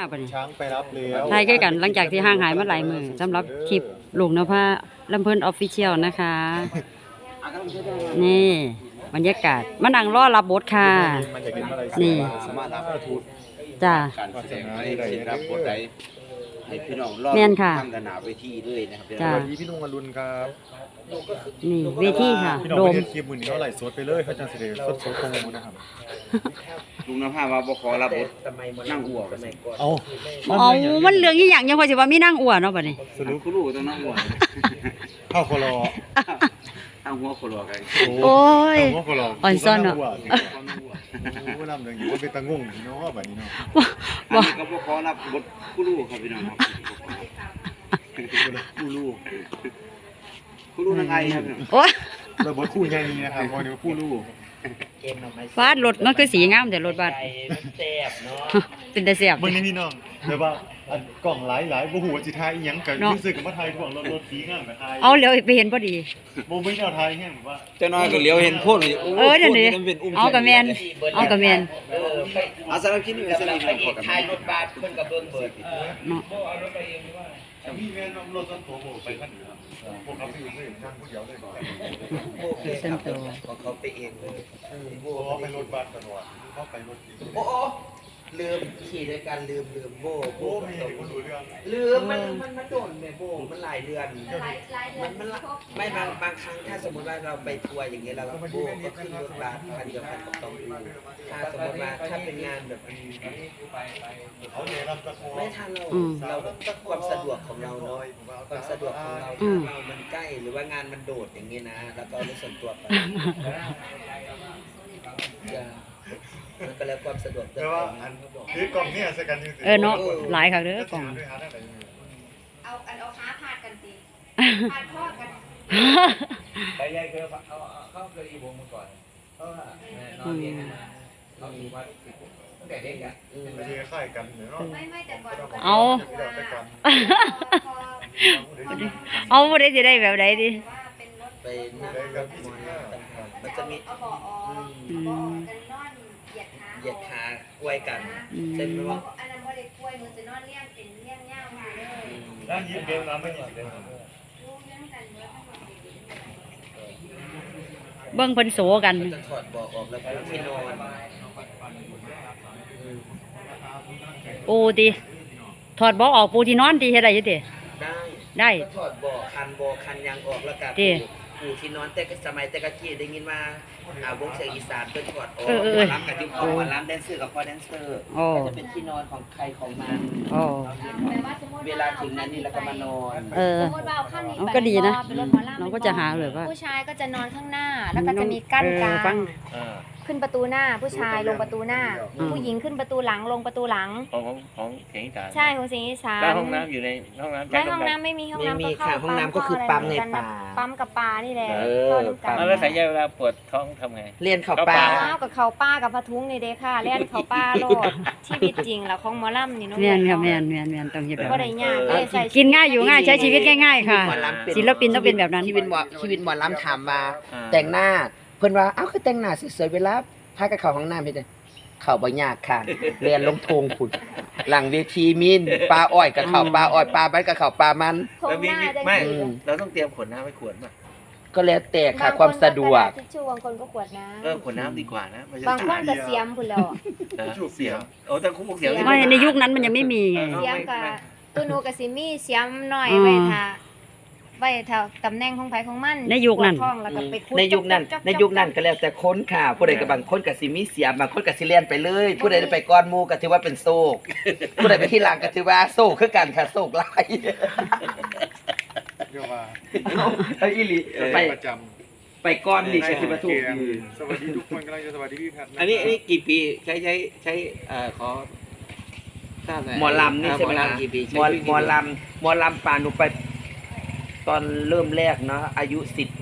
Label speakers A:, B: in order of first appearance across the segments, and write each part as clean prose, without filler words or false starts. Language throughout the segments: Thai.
A: บัดนี้
B: ช้างไปรับแล้ว
A: ถ่ายใกล้กันหลังจากที่ห่างหายมาหลายมื้อสำหรับคลิปลุงนภาลำเพิ่นออฟฟิเชียลนะคะ นี่บรรยากาศมานั่งรอรับบทค่ะ
B: มันจะกินอะไร
A: นี่
C: สามารถรับทุน
A: จ้า
C: การแสดงได้รับบทใดให้พี่น้องรอบ
A: แม่นค่ะ
C: ทำกันหนาเวทีเลยนะครับ
A: จ้า
B: สวัสดีพี่นุ่งอรุณครับ
A: นี่เวทีค่ะ
B: พี่น้อง
A: โด
B: ไป
A: ม
B: เห็นคลิปมือนี้เขาไหลฟ์สดไปเลยเขาจะเสด็จสดๆตรงนะครับ
C: ลุงนภาว่าบ่ขอรับบทนั่งอ้วก
B: เอา
A: เอามันเรื่องอีหยังยังพอสิว่ามีนางอ้วนเนาะบัดนี้
B: สรุป
C: คุณรู้ต้องนั่งอ้วก
B: เข้าคอรอ
C: ตั้งหัวคนรอกัน
A: โอ้ย
B: เข้าคอรอ
A: อ่อนซ่อนเนอะ
B: โอ้นำเรื่องอยู่ว่าเป็นตะงงเนาะแบบนี้เนาะ
C: อันนี้ก็บ่ขอรับบทคุณรู้ครับพี่น้องครับคุณรู้ยังไงครับ
A: โอ้ย
B: เราบทคู่ใหญ่นี้นะครับวันนี้คู่ลูก
A: ฟาดรถมันคือสีงามแต่รถบัสเป็นแต่แซ่บ
B: เบิ่งนี่พี่น้องแบบว่าอันกล่องหลายๆบ่ฮู้ว่าสิทายอีหยังก็รู้สึกว่าทายถ่วงรถสีงามก็ทาย
A: เอาเดี๋ยวไปเห็นพอดี
B: บ่มีแนวทายแฮงว่า
C: เจ้าน้อยก็เลี้ยวเห็นโพ่นเลย
A: เดี๋ยวนี้เอากระแมนเอากระแมน
C: เอาสำหรับคลิปนี้เป็นสลิมครับขอกัน
D: ทายรถบัสเพิ่นก็เบิ่งเบิด
A: เนาะ
B: มีแม่นำรถส่วนตัวบ่ไปคันนี้ครับพวกเขาไปอยู่เลยนั่งผู้เดียวเลย
A: เส้นตัว
D: ของเขาไปเองเลย
B: เพราะว่าไปรถบัสตลอดเขาไปรถอีก
D: โอ้ลืมขี่ด้วยกันลืมโบ
B: โอ้มีคนรู้เรื่อง
D: ลืมมันโดนแม่โบมันหลายเดือนมันไม่บางครั้งถ้าสมมติว่าเราไปทัวร์อย่างเงี้ยเราโบก็ขึ้นรถบัสคันเดียวกันกับต้องดูถ้าสมมติว่าถ้าเป็นงานแบบ
B: เขาเนี่ยรับตะโกน
D: ไม่ทันเราความสะดวกของเราเนาะความสะดวกของเราถ้าเรามันใกล้หรือว่างานมันโดดอย่างเงี้ยนะแล้วก็รถส่วนตัวไปมันก็แล้วความสะดวก
B: แต่ว่าอันคือกล่องเนี่ยใส่กันจริงๆ
A: เนาะหลายค่ะเด้อกล่อง
E: เอาขาพาดกันสิพาดข้อกัน
D: ไปยายเคยเขาเคยอีวงมาก่อนเขานอนเรียนเขาอยู่วัดตั้งแต่เด็กอ่ะ
B: ไม่ใช่ค่ายกันเนาะ
E: ไม่แต่ก่อน
A: เอา
E: พอ
A: เอาบ่ได้สิได้แบบใดดิ
E: ว่าเป็นรถ
D: ไปนั่งรถมอญมันจะมี
E: เอาเบาะออกเบาะกันนอนเหยียดขา
D: เหยียดขากล้วยกันเช่นว่า
E: อันนั้นว่าเด็กกล้วยมันจะนอนเลี้ยงเป็นเลี้ยงย่างมาเลย
B: แล้วยิงเกมน้ำไม่ยิงเลย
E: รู้เรื่องกันเยอะทั้งหมด
A: เบิ่งเพิ่นโสกัน
D: จะถอดเบาะออกแล้วก็ที่นอน
A: โอ้ติถอดบ่ออกปูที่นอนติเฮ็ดได้อยู่ติ
D: ได้
A: ได้
D: ก็ถอดเบาะคันยางออกแล้วก็ปูที่นอนแต่สมัยแต่กะกี้ได้ยินว่าวงเสียงอีสานเป็นถอดออกร้านกับที่พ่อร้านแดนเซอร์กับพ่อแดนเซอร์ก็จะเป็นที่นอนของใครของมัน
A: โอ้
E: แปลว่าสมมติ
D: เวลาถึงนั้นนี่แล้วก็มานอน
E: สมมติว่าเอาข้างนี้
A: เอา
E: ไป
A: ก็ดีนะ
E: เป็นรถหมอลำ
A: เราก็จะหาเลยว่า
E: ผู้ชายก็จะนอนข้างหน้า แล้วก็จะมีกั้นกลาง
A: ฟัง
E: ขึ้นประตูหน้า ผู้ชายลงประตูหน้า ผู้หญิงขึ้นประตูหลังลงประตูหลัง
F: ของเสียงอีสาน
E: ใช่ของสิงห์อีสาน
F: แล้วห้องน้ำอยู่ในห้องน้ำ
E: ไม่ห้องน้ำไม่มีห้องน้ำ
D: ไม่มี
E: ก็เข้า
D: ค่ะห้องน้ำก็คือปั๊มในป่า
E: ปั๊มกับปลานี่แหละ
D: เออ
E: เข้าน้ำกัน
F: แล้วสายยาเวลาปวดท้องทำไง
D: เรียนเขาป่า
E: อ้าวกับเขาป้ากับพะทุงนี่เด้ค่ะเล่นเขาป้าโลดชีวิตจริงแล้วของหมอลำนี่น้อง
A: แม่นค่ะแม่นต้องเฮ็ดแบบ
E: ก็
A: นั้
E: ได้
A: น
E: ยากเลยใส่
A: กินง่ายอยู่ง่ายใช้ชีวิตง่ายๆค่ะ ศิลปินต้องเป็นแบบนั้น
D: ชีวิตหมอลำถามว่าแต่งหน้าเพิ่นว่าเอ้าคือแต่งหน้าสวยๆเวลาพากับเขาห้องน้ำเฮ็ดจังเข้าบ่ยากค่ะเรียนลงทงพุ่นหลังเวทีมีนปลาอ้อยกับเขาปลาอ้อยปลามันกับเขาปลามัน
E: โครงหน้าจะ
F: ไม่
E: ดี
F: เราต้องเตรียมขวดน้ำไว้ขวดป่ะ
D: ก็แล้วแต่ค่ะความสะดวก
E: บางคนก็กระดาษทิชชู่บางคนก็ขวดน้
F: ขวดน้ำดีกว่านะไม่
E: ำ
F: ใช่
E: บางคนก็เสียมพุ่นแล้ว
F: เสียวโอ้แต่คุกเสียว
A: ไม่ในยุคนั้นมันยังไม่มีไง
E: เสียมกับตัวหนูกับซิมี่เสียมหน่อย
A: อืม
E: ไว้ถ้าตำแหน่งของไผของมัน
A: ในยุคนั้น
E: ปวดท้องแล้วก็ไปขุด
D: ในยุคนั้น
E: จ๊อกๆๆ
D: ในยุคนั้นก็แล้วแต่คนค่ะผู้ใดก็บางคนก็สิมีเสียบางคนก็สิเลียนไปเลย ผู้ใดได้ไปก้อนหมู่ก็ถือว่าเป็นโศกผู้ใดไปที่หลังก็ถือว่าโศกคือกันค่ะโศกหลาย
B: เรียกว่า
D: เอาอีหลีไป
B: ประจ
D: ไปก้อนนี่ก็สิมา
B: ำ
D: ถูก
B: สวัสดีทุกคนกำลังจะสวัสดีพี่แพทย์
F: อันนี้กี่ปีใช้ขอทราบหน่อย
D: หมอลำนี่ใช่ไหม
F: หมอ
D: ล่ะ
F: ลำกี่ปี
D: หมอลำปานหนูไปตอนเริ่มแรกเนาะอายุ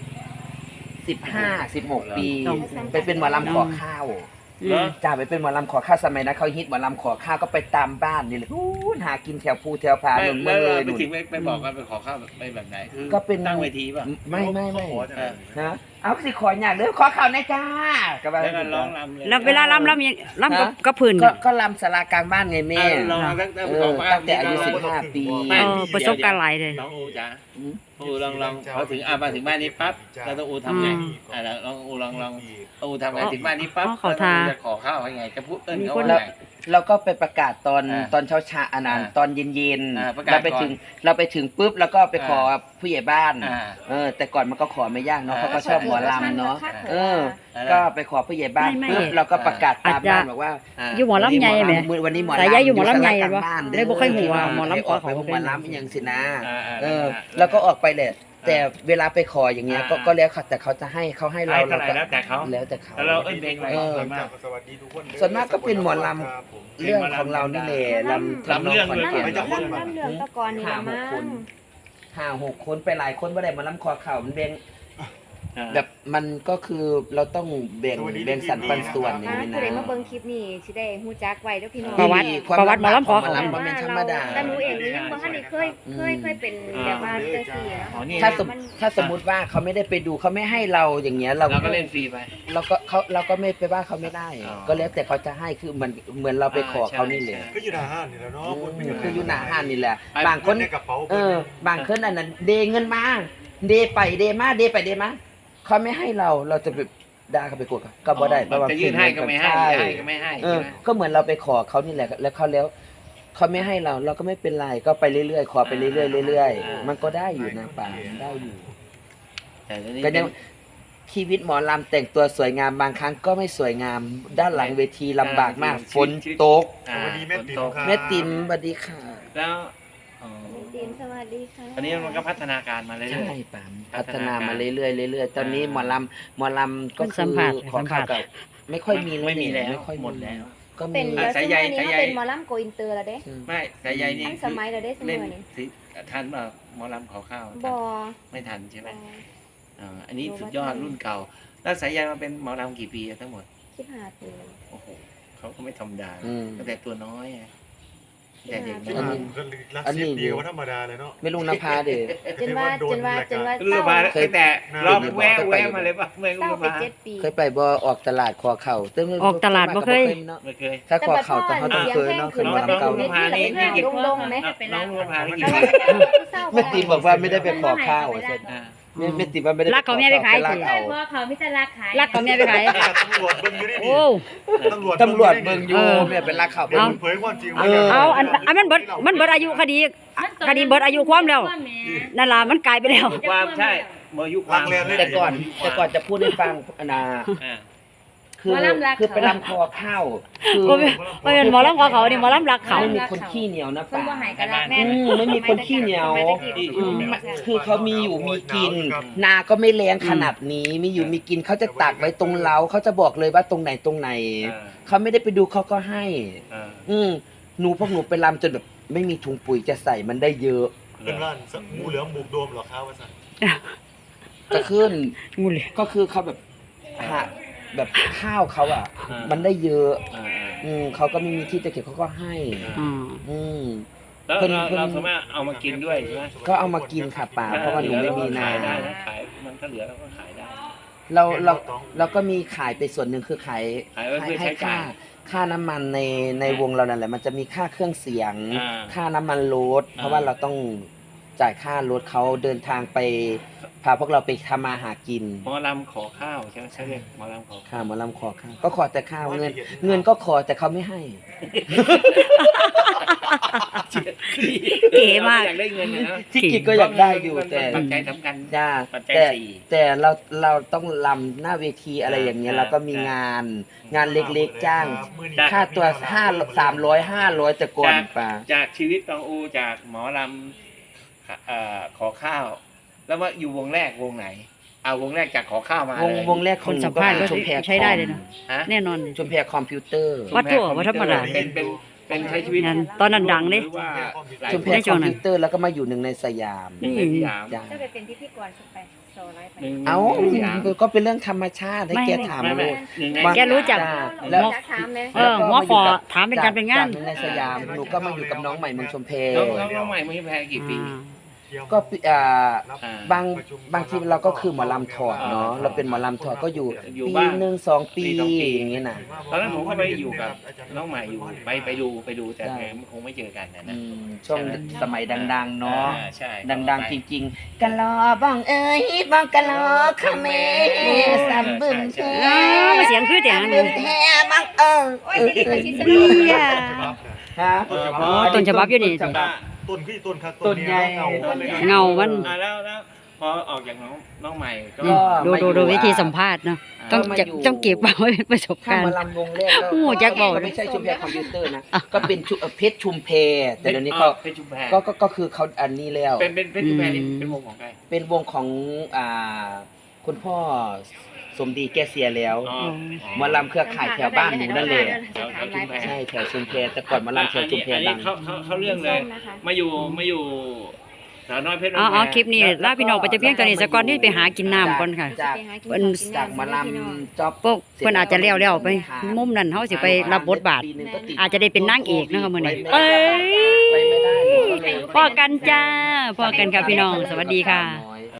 D: 15-16 ปีไปเป็นหมอลำขอข้าว จ้าไปเป็นหมอลำขอข้าวสมัยนั้นเขาฮิตหมอลำขอข้าวก็ไปตามบ้านนี่เลยหากินแถวภูแถวพาหนุนเมื
F: แล้
D: อ
F: ว
D: งเลยห
F: ไป
D: นุน
F: ถึงไปบอกกันไปขอข้าวไปแบบไหนคือ
D: ก็เป็น
F: ตั้งเวทีป่ะ
D: ไม่
B: เขาขอจะไหน
D: นะเอาสิขออยากเด้อขอข่าวหน่อยจ้าก็ว่า
F: แล้วก็ร้องรำเลย
A: แล้วเวลาลำยังลำกับพื้น
D: ก็ลำศาลากลางบ้านไงแม่
F: ลองตั้งแต่
D: ตั้งแต่อายุ15 ปี
A: ประสบการณ์หลายเลย
F: น้องอูจ๋าอูลองเขาถึงมาถึงบ้านนี้ปั๊บเราต้องอูทำไงแล้วลองอูลองอูทำไงถึงบ้านนี้ปั๊บจะขอข้าวยังไงจะพูดเอิ้นเขาว่าไง
D: เราก็ไปประกาศตอนเช้าๆอันนั้นตอนเย็น
F: ประ
D: ๆ
F: กาศ
D: เราไปถึงปุ๊บแล้วก็ไปขอ
F: อ่า
D: ผู้ใหญ่บ้าน แต่ก่อนมันก็ขอไม่ยากเนาะเขาก็ชอบหมอลำเนาะก็ไปขอผู้ใหญ่บ้านปุ๊บเราก็ประกาศตามบ้านบอกว่า
A: อยู่หมอลำใหญ่ไหม
D: วันนี้หมอ
A: สายใยอยู่หมอลำใหญ่
D: ศาลากลาง
A: วะ
D: บ้าน
A: เลยบ่ค่อยหูว่าหมอลำขอ
D: ไป
A: เขา
D: หมอลำอย่างสินะ
F: อ่า
D: แล้วก็ออกไปแหละแต่เวลาไปขออย่างเงี้ยก็แล้วแต่เขาจะให้เขาให้เรา
F: เท่าไหร่แล้วแต่เขา
D: แล้วแต่เขา
F: แล้วเราเอิ้นเพลงอะไร
B: สวัสดีทุกคน
D: ส่วนมากก็เป็นหมอลำเรื่องของเรานี่แหละลำ
F: เรื่อง
D: ขอน
F: เลย
D: แก่น
E: น้ำเหลืองตะกอนนี่ละมั้ง
D: 5-6 คนไปหลายคนบ่ได้หมาลำคอเข่ามันแบ่งแบบมันก็คือเราต้องแบ่งสรรปันส่วนอย่างนี้
E: ผู้
D: นะ
E: ใดมาเบิ่งคลิปนี้สิได้ฮู้จักไว้เด้อพี่น้อง
A: ประวัติหมอลำขอ
D: หมอลำมันเป็นธรรมดา
E: แต่หนูเองนี่ยังบ่ทันได้เคยเป็นแบบว่าจังซี่นะ
F: อ๋อนี่
D: ถ้าสมมุติว่าเขาไม่ได้ไปดูเขาไม่ให้เราอย่างเงี้ยเรา
F: เราก็เล่นฟรีไป
D: เราก็ไม่ไปว่าเขาไม่ได้ ก็แล้วแต่เขาจะให้คือเหมือนเราไปขอเขานี่แหละ
B: ก็อยู่หน้าห้างนี่แหละเนาะ
D: คืออยู่หน้าห้างนี่แหละ
F: ไป
D: บางคน
B: ในกระเป๋า
D: บางคนอันนั้นเดเงินมาเดไปเดมาเดไปเดมาเขาไม่ให้เราจะไปด่าเขาไปกดเขาก็บ่ได้เพราะว่า
F: จะยื่นให้ก็ไม่ให้
D: ใช่
F: ให้ก็ไม่ให้
D: เอ
F: ใช่
D: อ
F: ไหม
D: ก็เหมือนเราไปขอเขานี่แหละแล้วเขาไม่ให้เราก็ไม่เป็นไรก็ไปเรื่อยๆขอไปเรื่อยๆเรื่อยๆมันก็ได้อยู่นะป่าได้อยู่
F: แต่ตอนนี้
D: ก็ยังชีวิตหมอลำแต่งตัวสวยงามบางครั้งก็ไม่สวยงาม ด้านหลังเวทีลำบากมากฝนตก
B: สวัสดีแม่ติ๋มครับ
D: แม่ติ๋มสวัสดีค่ะ
F: แล้วอ๋อ
E: ตีนสวัสดีค่ะ
F: ตอนนี้มันก็พัฒนาการมาเรื่
D: ใช่
F: อย
D: ป่ามพัฒนามาเรื่อยๆเรื่อยๆตอนนี้หมอลำก็
A: สั
D: คือ
A: มผัส
D: ขอ
A: สัมผั
D: ข่าว
A: ส
D: กับไม่ค่อยมี
F: ไม่มีแล้ว
D: ไม่ค่อย
F: หมดแล้ว
D: ก็
E: เป็
D: มี
E: นแล้ว
F: สาย
E: ส
F: ใย
E: มัยนี้
F: สายใย
E: เขาเป็นหมอลำโกอินเตอร์แล้วเด้
F: ไม่แต่ยายนี่
E: อันสมัยแล้วเด้สมั
F: เล่
E: ย
F: น
E: นี้
F: สิทันป่ะหมอลำขอข้าว
E: บ่
F: ไม่ทันใช่ไหมอันนี้สุดยอดรุ่นเก่า แล้วสายใยมาเป็นหมอลำกี่ปีทั้งหมด
E: 15 ปี
F: โอ้โหเขาก็ไม่ธรรมดา
D: อืม
F: ตั้งแต่ตัวน้อยอะแต่เด็ก
B: ที่
F: น้อ
B: มาย ก็รักสิบดีกว่าธรรมดาเลยเนาะ
D: ไม่ลุงนภาเด้อ
E: จนว่า
F: รู้ป่ะตั้งแต่รอบแวะมาเลยป่ะเมื่อ
E: เศร้า
F: รู้
E: ไป
F: ป่ะ
E: 7 ปี
D: เคยไปบ่ออกตลาดคอเข่าตึ้ง
A: ออกตลาดบ่เคย
D: เนาะ
F: ไม่เคย
D: ถ้าคอเข่าแต่เขาต้องเคยเนาะคือหมอลำเก่า
E: น้องๆดงๆไหม
F: น้องรู้ป่ะนี่
E: แต่
F: กี่
E: ว่า
F: ปี
E: เศร้า
D: แม่ติ๋มบอกว่าไม่ได้ไปขอข้าวอ่ะเสร็จ
F: อ่า
D: แม่ติ๋มว่าไม่ได้
A: รักเขาแม่ไปขาย
D: รัก
A: สิ
D: เอา
G: เพราะว่าเขาไม่จะรักขาย
A: รักกับแม่ไปขาย
B: ตำรวจเบิ่งอยู่นี่
A: โอ้
B: ตำรวจ
D: ตำรวจเบิ่งอยู่
A: เออ
D: แม่เป็นรักเขา
B: เบิ่งเผยความจริง
A: เอาอันมันเบิดอายุคดีเบิดอายุความแล้วนั่นล่ะมันกลายไปแล้ว
F: ความใช่เมื่อยุค
B: รักแลนเลย
D: แต่ก่อนจะพูดให้ฟังอนาคือไปรำคอข้าวคือ
A: บ่เป็นหมอลำขอเขานี่หมอลำรักเขา
D: ไม่มีคนขี้เหนียวนะ
G: เพิ่น
D: ป่า
G: บ่ใหายกันรัก
E: แม่
D: ไม่มีคนขี้เหนียว คือเขามีอยู่มีกิน นาก็ไม่แรงขนาดนี้มีอยู่มีกินเขาจะตักไว้ตรงเล้าเขาจะบอกเลยว่าตรงไหนเขาไม่ได้ไปดูเขาก็ให้ พวกหนูไปรำจนแบบไม่มีถุงปุ๋ยจะใส่มันได้เยอะ
B: เป็นร้านงูเหลือมบุกโดมเหรอครับว่าสั่น
D: จะขึ้น
A: งูเลย
D: ก็คือเขาแบบหาแบบข้าวเขาอ่ะ มันได้เยอะเขาก็ไม่มีที่จะเก็บเขาก็ให้
A: อืม
D: อืม
F: แล้วเราสามารถเอามากินด้วยใช่ไหม
D: ก็เอามากินค่ะป่าเพราะว่าหนูไม่มีนา
F: ขายได้นะขายมันถ้าเหลือเราก็ขายได้
D: เราก็มีขายไปส่วนหนึ่งคือขาย
F: ขายไว้เพื่อใช้จ่าย
D: ค่าน้ำมันในวงเรานั่นแหละมันจะมีค่าเครื่องเสียง
F: อ่า
D: ค่าน้ำมันรถเพราะว่าเราต้องจ่ายค่ารถเขาเดินทางไปพาพวกเราไปทำมาหากิน
F: หมอลำขอข้าวใช่ไหมใช่เรียกหมอลำขอข้าว
D: ข้าวหมาลำขอข้าวก็ขอแต่ข้าวเงินก็ขอแต่เขาไม่ให้
A: เก๋มาก
F: อยากได้เงินนะ
D: ที่กิจก็อยากได้อยู่แต่
F: ปัจจัยสำคัญ
D: จ้า
F: ปัจจัย
D: แต่
F: สี่
D: แต่เราต้องลำหน้าเวทีอะไรอย่างเงี้ยเราก็มีงานเล็กๆจ้างค่าตัว300-500แต่ก่อนป่า
F: จากชีวิตตองอูจากหมอลำขอข้าว แล้วว่าอยู่วงแรกวงไหนเอาวงแรกจากขอข้าวมาว
D: งแรก
A: คนสัมภาษณ์ก็
D: ชมแพร
A: ใช้ได้เลยนะ
F: ฮะ
A: แน่นอนเลย
D: ชมแพรคอมพิวเตอร์
A: วัดตัววัดธรรมดา
F: เป็นใช้ชีวิต
A: งั้นตอนนั้นดังดิ
F: หรือว่าหลาย
D: ชมแพรคอมพิวเตอร์แล้วก็มาอยู่หนึ่งในสยาม
F: หนึ่งในสยาม
D: จ้า
E: จะไปเป็นพิธีกรสุดไปโซไลฟ์ไป
F: หนึ่ง
D: เอ้า
F: ในสยาม
D: ก็เป็นเรื่องธรรมชาติให้แกถาม
F: ไม่
D: ลูก
F: หนึ่งใน
A: แกรู้จัก
D: แล้ว
E: เราจะถามเลย
A: หมอขอถามเป็นการเป็นงาน
D: จากหนึ่งในสยามหนูก็มาอยู่กับน้องใหม่เมืองชมแพร
F: น้องใหม่ไม่แพ้กี่ปี
D: ก็
F: อ่า
D: บางทีเราก็คือหมอลำถอดเนาะเราเป็นหมอลำถอดก็อยู่
F: อยู่
D: ปี
F: บ้าง
D: หนึ่งสองปี
F: ปีสองปี
D: อย่างนี้นะ
F: ตอนนั้นผมก็ไปอยู่กับน้องใหม่อยู่ไปดูแต่แกคงไม่เจอกันนะ
D: อื
F: นะ
D: มช่วงสมัยดังๆเนาะ
F: ใช่
D: ดังๆจริงๆกะลอบ้องเอ้ยบ้องกะลอขะเมสัมบึมเธอ
A: เสียงคือเสียงอัน
D: บึ
A: นี้
D: มแท้บัง
E: โอ้ยสิได้สิส
A: เบี
E: นุก
A: ยร์
D: ฮะ
A: ต้นฉบับอยู่นี่
D: ต้นฉบับ
B: ต้นคือต้นครับ
D: ต้นใหญ่
A: เงามัน
F: แล้วพอออกจากน้องใหม่ก็
A: ดูวิธีสัมภาษณ์เนาะต้องเก็บเอาไว้เป็นประสบ
D: ถ้า
A: การ
D: หมา
A: ณ์
D: ลำวงแรกก็
A: โอ้แจ็คบอก
D: ก็ไม่ใช่ชุมแพรคอมพิวเตอร์นะ
A: อ่ะ
D: ก็เป็นเพชรชุมแพรแต่เดี๋ยวนี้ก็
F: เพชรชุมแพ
D: ก็คือเขาอันนี้แล้ว
F: เป็นเพชรชุมแพนี่เป็นวงของใคร
D: เป็นวงของคุณพ่อสมดีแกเสียแล้ว หมอลำเครือข่ายแถวบ้านหนูนั่นเลย ใช่แถวชุมแพแต่ก่อนหมาลำแถวชุมแพ
F: อัน
D: ดั
F: นี้
D: ง
F: เขาเรื่องเลย มาอยู่สาวน้อยเพชร
A: อ๋อคลิปนี้ลาพี่น้องไปจะเพียงตอนนี้สักก่อนที่ไปหากินน้ำก่อนค่ะ
D: จาก
A: เพิ่น
D: จากหมาลำจ็อบ
A: พวกเพิ่นอาจจะเลี้ยวๆไปมุมนั้นเฮาสิไปรับบทบาท อาจจะได้เป็นนางเอกนะคะมื้อนี้เอ้ย
D: ไปไม่ได้หนูก็เลย
A: พอกันจ้าพอกันค่ะพี่น้องสวัสดีค่ะ